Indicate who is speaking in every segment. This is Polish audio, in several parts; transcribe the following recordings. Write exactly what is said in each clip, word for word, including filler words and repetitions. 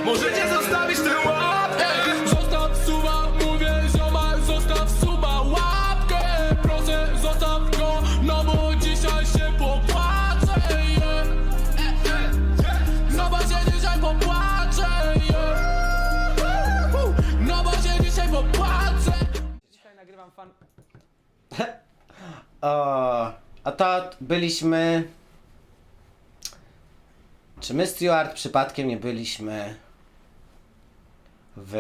Speaker 1: Możecie zostawić tę łapkę.
Speaker 2: Zostaw suba, mówię ziomal, zostaw suba, łapkę. Proszę, zostaw go, no bo dzisiaj się popłaczę, yeah. No bo się dzisiaj popłaczę, yeah. No bo się dzisiaj popłaczę. Dzisiaj nagrywam fan...
Speaker 3: O, a to byliśmy... Czy my, Stuart, przypadkiem nie byliśmy w...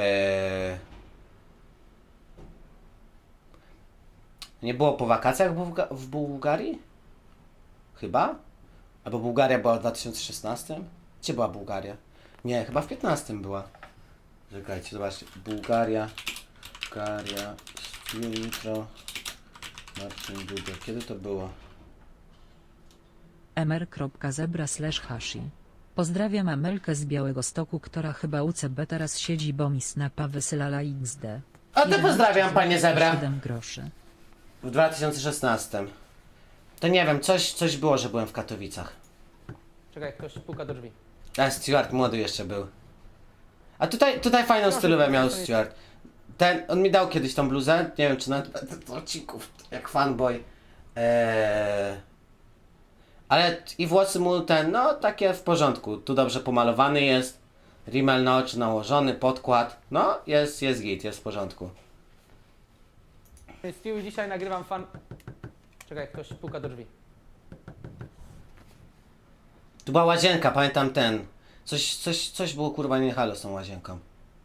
Speaker 3: Nie było po wakacjach w, Bułga w Bułgarii? Chyba? Albo Bułgaria była w dwa tysiące szesnastym? Gdzie była Bułgaria? Nie, chyba w piętnastym była. Czekajcie, zobaczcie. Bułgaria, Bułgaria, jutro, Marcin Duda. Kiedy to było?
Speaker 4: mr.zebra slash hashi. Pozdrawiam Amelkę z Białegostoku, która chyba u C B teraz siedzi, bo mi snapa wysylala X D.
Speaker 3: A to pozdrawiam, panie Zebra.
Speaker 4: siedem groszy.
Speaker 3: W dwa tysiące szesnastym. To nie wiem, coś, coś było, że byłem w Katowicach.
Speaker 2: Czekaj, ktoś puka do drzwi.
Speaker 3: A Stuart młody jeszcze był. A tutaj, tutaj fajną stylówę miał Stuart. Ten, on mi dał kiedyś tą bluzę, nie wiem czy nawet do odcinków, jak fanboy. Eee... Ale i włosy mu ten, no takie w porządku. Tu dobrze pomalowany jest. Rimel na oczy nałożony, podkład. No, jest, jest git, jest w porządku.
Speaker 2: Stu, dzisiaj nagrywam fan... Czekaj, ktoś puka do drzwi.
Speaker 3: Tu była łazienka, pamiętam ten. Coś, coś, coś było kurwa nie halo z tą łazienką.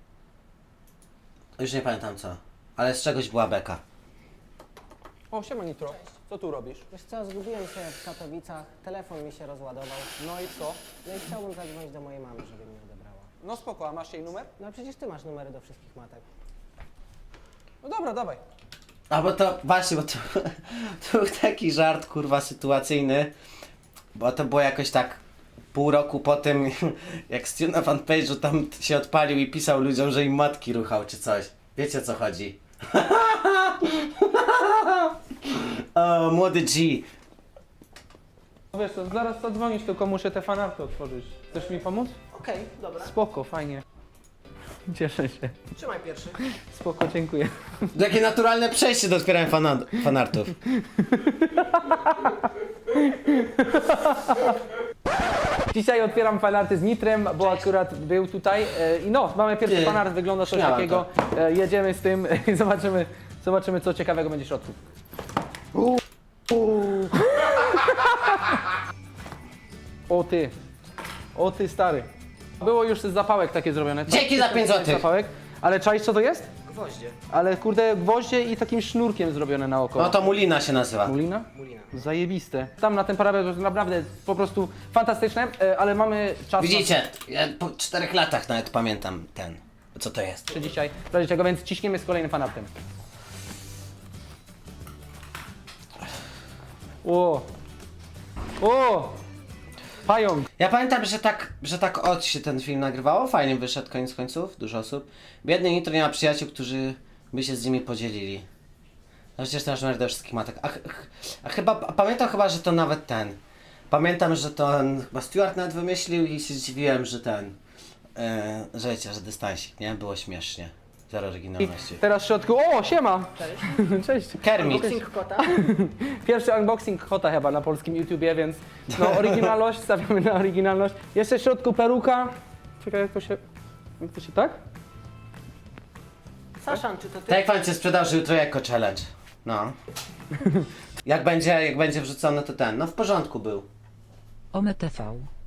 Speaker 3: Już nie pamiętam co. Ale z czegoś była beka.
Speaker 2: O, siema Nitro. Co tu robisz?
Speaker 5: Wiesz co, zgubiłem się w Katowicach, telefon mi się rozładował.
Speaker 2: No i co?
Speaker 5: No i chciałbym zadzwonić do mojej mamy, żeby mnie odebrała.
Speaker 2: No spoko, a masz jej numer?
Speaker 5: No przecież ty masz numery do wszystkich matek.
Speaker 2: No dobra, dawaj.
Speaker 3: A bo to, właśnie, bo to, to był taki żart kurwa sytuacyjny. Bo to było jakoś tak pół roku po tym, jak Stu na fanpage'u tam się odpalił i pisał ludziom, że im matki ruchał czy coś. Wiecie o co chodzi? O, młody G.
Speaker 2: Wiesz co, zaraz zadzwonisz, tylko muszę te fanarty otworzyć. Chcesz mi pomóc?
Speaker 5: Okej, dobra.
Speaker 2: Spoko, fajnie. Cieszę się.
Speaker 5: Trzymaj pierwszy.
Speaker 2: Spoko, dziękuję.
Speaker 3: Jakie naturalne przejście do otwierania fana fanartów.
Speaker 2: Dzisiaj otwieram fanarty z Nitrem, bo akurat był tutaj. e, I no, mamy pierwszy
Speaker 3: Ty,
Speaker 2: fanart, wygląda coś
Speaker 3: śmiałem
Speaker 2: takiego. E, Jedziemy z tym i zobaczymy, zobaczymy co ciekawego będzie w środku. O ty, o ty stary. Było już z zapałek takie zrobione.
Speaker 3: Dzięki za pięć złotych.
Speaker 2: Zapałek. Ale czaisz co to jest?
Speaker 5: Gwoździe.
Speaker 2: Ale kurde, gwoździe i takim sznurkiem zrobione naokoło.
Speaker 3: No to Mulina się nazywa.
Speaker 2: Mulina?
Speaker 5: Mulina.
Speaker 2: Zajebiste. Tam na ten parapet to jest naprawdę po prostu fantastyczne, e, ale mamy czas
Speaker 3: Widzicie, ja po czterech latach nawet pamiętam ten, co to jest.
Speaker 2: na dzisiaj, w razie czego, więc ciśniemy z kolejnym fanartem. O! O! Pająk!
Speaker 3: Ja pamiętam, że tak, że tak od się ten film nagrywało, fajnie wyszedł koniec końców, dużo osób. Biedny Nitro nie ma przyjaciół, którzy by się z nimi podzielili. No przecież to masz numer do wszystkich matek. A, ch- a chyba, a pamiętam chyba, że to nawet ten. Pamiętam, że to on, chyba Stuart nawet wymyślił i się zdziwiłem, że ten, e, że wiecie, że dystansik, nie? Było śmiesznie. Zero
Speaker 2: I
Speaker 3: oryginalności.
Speaker 2: teraz w środku, o siema! Cześć! Cześć!
Speaker 3: Kermit.
Speaker 5: Unboxing kota.
Speaker 2: Pierwszy unboxing kota chyba na polskim YouTubie, więc no oryginalność, stawiamy na oryginalność. Jeszcze w środku peruka. Czekaj, jak to się, jak to się tak?
Speaker 5: Saszan, czy to ty?
Speaker 3: Tak jak pan cię sprzedał, że jutro jako challenge. No. Jak będzie, jak będzie wrzucony to ten, no w porządku był.
Speaker 4: O M T V.